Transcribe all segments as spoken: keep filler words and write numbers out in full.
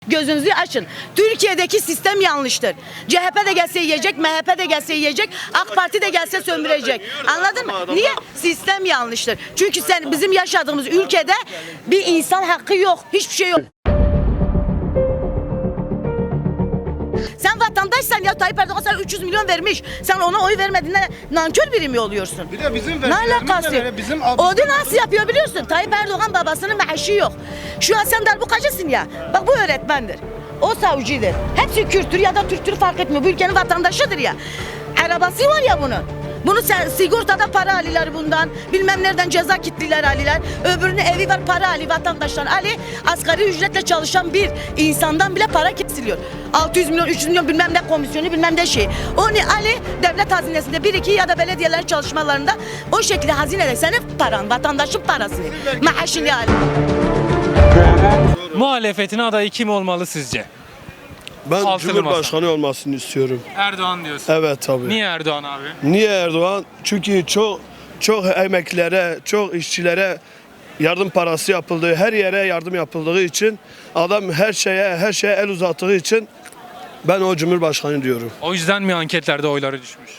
Gözünüzü açın. Türkiye'deki sistem yanlıştır. C H P de gelse yiyecek, M H P de gelse yiyecek, AK Parti de gelse sömürecek. Anladın mı? Niye? Sistem yanlıştır. Çünkü sen bizim yaşadığımız ülkede bir insan hakkı yok. Hiçbir şey yok. Sen vatandaşsan ya Tayyip Erdoğan sana üç yüz milyon vermiş. Sen ona oy vermediğinde nankör biri mi oluyorsun? Bir de bizim Ne alakası yok? Bizim O da nasıl yapıyor biliyorsun? Tayyip Erdoğan babasının maaşı yok. Şu an sen darbukacısın ya. Bak bu öğretmendir. O savcıdır. Hepsi Kürttür ya da Türktür fark etmiyor. Bu ülkenin vatandaşıdır ya. Arabası var ya bunun. Bunu sen sigortada para aliler bundan, bilmem nereden ceza kitliler aliler, öbürünün evi var para ali vatandaşlar ali, asgari ücretle çalışan bir insandan bile para kesiliyor. altı yüz milyon, üç yüz milyon bilmem ne komisyonu bilmem ne şey. Onu ali devlet hazinesinde bir iki ya da belediyelerin çalışmalarında o şekilde hazinede senin paran, vatandaşın parasını, maaşını ali. Muhalefetin adayı kim olmalı sizce? Ben Altılı Cumhurbaşkanı olmasını istiyorum. Erdoğan diyorsun. Evet tabii. Niye Erdoğan abi? Niye Erdoğan? Çünkü çok çok emeklilere, çok işçilere yardım parası yapıldığı, her yere yardım yapıldığı için adam her şeye her şeye el uzattığı için ben o Cumhurbaşkanı diyorum. O yüzden mi anketlerde oyları düşmüş?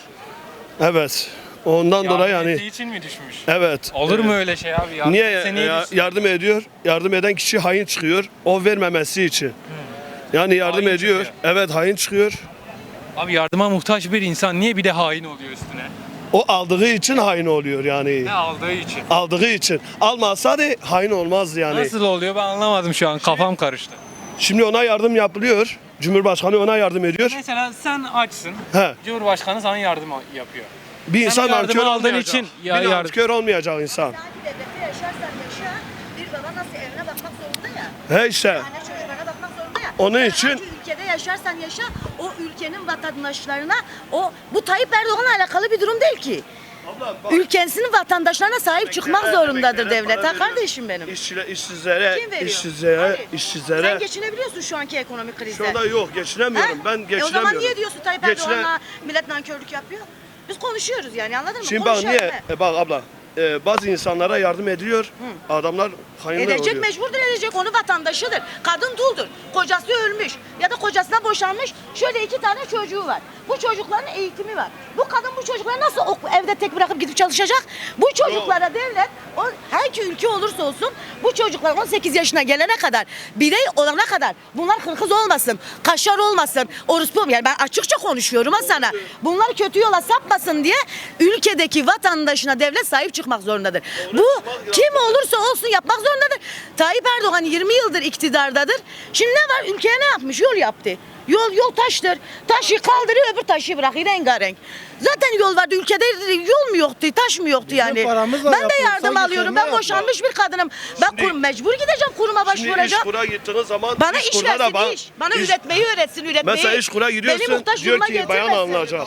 Evet. Ondan dolayı Yardım yani ettiği için mi düşmüş? evet. Olur evet. mu öyle şey abi? Yardım Niye etse niye ya- düşsün? yardım ediyor? Yardım eden kişi hain çıkıyor. O vermemesi için. Yani yardım Hain ediyor. çıkıyor. Evet hain çıkıyor. Abi yardıma muhtaç bir insan niye bir de hain oluyor üstüne? O aldığı için hain oluyor yani. Ne aldığı için? Aldığı için. Almazsa da hain olmazdı yani. Nasıl oluyor ben anlamadım şu an kafam karıştı. Şimdi ona yardım yapılıyor. Cumhurbaşkanı ona yardım ediyor. Mesela sen açsın. He. Cumhurbaşkanı sana yardım yapıyor. Bir Sen insan bu yardımı nankör aldığın olmayacak. için ya bir yardım- nankör olmayacak insan. Hangi devlette yaşarsan yaşa, bir baba nasıl evine bakmak zorunda ya. He işte. Anne çocuklarına bakmak zorunda ya. Onun Sen için- hangi ülkede yaşarsan yaşa, o ülkenin vatandaşlarına, o bu Tayyip Erdoğan'la alakalı bir durum değil ki. Ülkesinin vatandaşlarına sahip çıkmak zorundadır devlet. Ha kardeşim benim. İşçiler, işsizlere, Kim veriyor? işsizlere, Hayır. işsizlere. Sen geçinebiliyorsun şu anki ekonomik krizde. Şu anda yok geçinemiyorum. Ha? Ben E geçinemiyorum. o zaman niye diyorsun Tayyip Geçine- Erdoğan'la millet nankörlük yapıyor? Biz konuşuyoruz yani anladın mı? Şimdi bak Konuşuyoruz niye? he. E bak abla. e, bazı insanlara yardım ediliyor. Adamlar hainler Edecek, oluyor. mecburdur edecek, onu vatandaşıdır. Kadın duldur. Kocası ölmüş ya da kocasına boşanmış. Şöyle iki tane çocuğu var. Bu çocukların eğitimi var. Bu kadın bu çocukları nasıl ok- evde tek bırakıp gidip çalışacak? Bu çocuklara devlet, o, hangi ülke olursa olsun bu çocuklar on sekiz yaşına gelene kadar, birey olana kadar bunlar hırkız olmasın, kaşar olmasın, orospu olmasın. Yani ben açıkça konuşuyorum ha sana. Bunlar kötü yola sapmasın diye ülkedeki vatandaşına devlet sahip çıkmak zorundadır. Bu kim olursa olsun yapmak zorundadır. Tayyip Erdoğan yirmi yıldır iktidardadır. Şimdi ne var? Ülkeye ne yapmış? Yol yaptı. Yol yol taştır. Taşı kaldırıyor öbür taşı bırakıyor rengarenk. Zaten yol vardı ülkede, yol mu yoktu, taş mı yoktu yani. paramızla Ben de yapılsa yardım alıyorum. Ben yeterli boşanmış bir kadınım. Ben Şimdi- kurum, mecbur gideceğim kuruma Şimdi iş başvuracağım. kura gittiğiniz zaman Bana iş kurda da versin bak- iş. Bana iş- üretmeyi öğretsin üretmeyi. Mesela iş kura Beni gidiyorsun muhtaç diyor duruma ki bayan getirmesin. alınacak.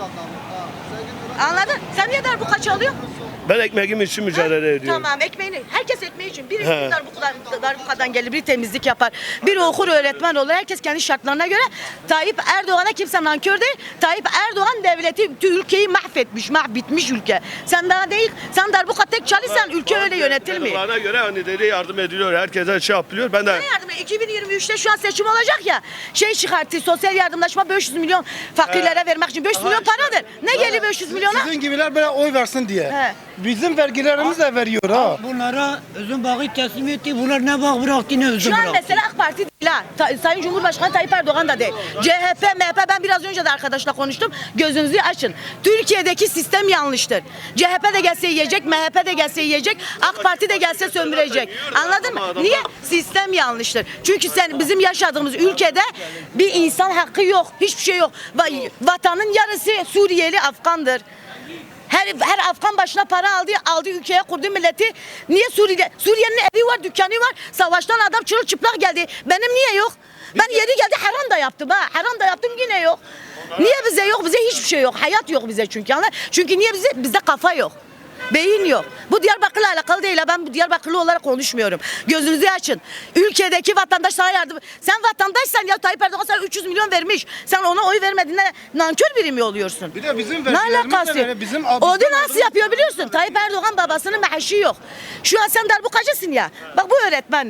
Anladın? Sen niye darbuka çalıyor? Ben ekmeğim için mücadele ediyorum. Tamam ekmeğini. Herkes ekmeği için. Biri He. darbukadan, darbukadan gelir, bir temizlik yapar. Biri okur öğretmen olur. Herkes kendi şartlarına göre. Tayyip Erdoğan'a kimse nankör değil. Tayyip Erdoğan devleti, ülkeyi mahvetmiş, mahbitmiş ülke. Sen daha değil, sen darbuka tek çalışsan ülke öyle yönetilmiyor. Bana göre hani dedi yardım ediliyor. Herkese şey yapılıyor. Ben de Ne yardım? iki bin yirmi üçte şu an seçim olacak ya. Şey çıkarttı, sosyal yardımlaşma beş yüz milyon fakirlere vermek için. beş yüz Aha milyon işte. paradır. Ne geliyor beş yüz milyona? Sizin gibiler böyle oy versin diye. He. Bizim vergilerimiz de veriyor ha. Bunlara özün bağı teslim etti. Bunlar ne bağ bıraktı ne özün Şu an bıraktı. mesela AK Parti değil ha. Ta- Sayın Cumhurbaşkanı Tayyip Erdoğan da değil. C H P, M H P ben biraz önce de arkadaşla konuştum. Gözünüzü açın. Türkiye'deki sistem yanlıştır. C H P de gelse yiyecek, M H P de gelse yiyecek, AK Parti de gelse sömürecek. Anladın mı? Niye? Sistem yanlıştır. Çünkü sen bizim yaşadığımız ülkede bir insan hakkı yok. Hiçbir şey yok. Va- Vatanın yarısı Suriyeli, Afgandır. Her, her Afgan başına para aldı, aldı ülkeye kurdu milleti. Niye Suriye? Suriye'nin evi var, dükkanı var. Savaştan adam çırılçıplak geldi. Benim niye yok? Ben yeri geldi haram da yaptım ha. Haram da yaptım yine yok. Niye bize yok? Bize hiçbir şey yok. Hayat yok bize çünkü. Anladın? Çünkü niye bize? Bizde kafa yok. Beyin yok. Bu Diyarbakır'la alakalı değil. Ben bu Diyarbakırlı olarak konuşmuyorum. Gözünüzü açın. Ülkedeki vatandaş sana yardım. Sen vatandaşsan ya Tayyip Erdoğan sana üç yüz milyon vermiş. Sen ona oy vermediğinde nankör biri mi oluyorsun? Bir de bizim Ne vergilerimiz alakası? de böyle, bizim O da bizden nasıl yapıyor biliyorsun? Tayyip Erdoğan babasının maaşı yok. Şu an sen darbukacısın ya. Bak bu öğretmendir.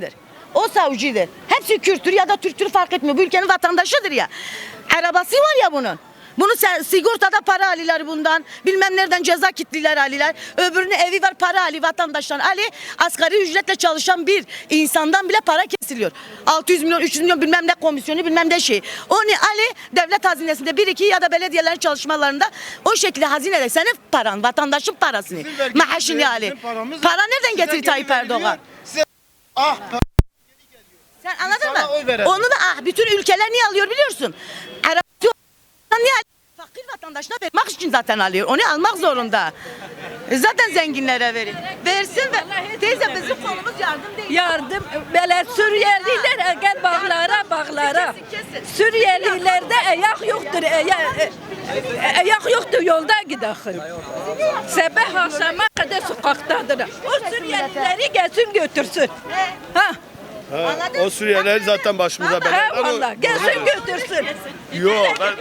O savcıdır. Hepsi Kürttür ya da Türktür fark etmiyor. Bu ülkenin vatandaşıdır ya. Arabası var ya bunun. Bunu sen sigortada para alırlar bundan. Bilmem nereden ceza kitliler alırlar. Öbürünün evi var para ali vatandaştan ali. Asgari ücretle çalışan bir insandan bile para kesiliyor. altı yüz milyon üç yüz milyon bilmem ne komisyonu bilmem ne şey. Onu ali devlet hazinesinde bir iki ya da belediyelerin çalışmalarında o şekilde hazinede senin paran vatandaşın parasını. Bizim vergimiz Maaşını değil, ali. bizim paramız Para nereden size getirir geri Tayyip veriliyor. Erdoğan? Size ah Sen anladın sana mı? oy verelim. Onu da ah, bütün ülkeler niye alıyor biliyorsun? Arap niye alıyor? Fakir vatandaşına vermek için zaten alıyor. Onu almak zorunda. E zaten zenginlere verir. Versin ve teyze bizim konumuz yardım değil. Yardım böyle Suriyeliler gel bağlara bağlara. Suriyelilerde ayak yoktur. Ayak, ayak yoktur yolda gidelim. Sabah akşama kadar sokaktadır. O Suriyelileri gelsin götürsün. Ha. Ha, o Suriyeliler zaten başımıza bela. Ha Allah gelsin götürsün. Yok ben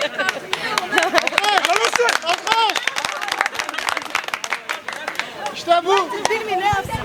İşte bu. Bilmiyorum ne yapsın.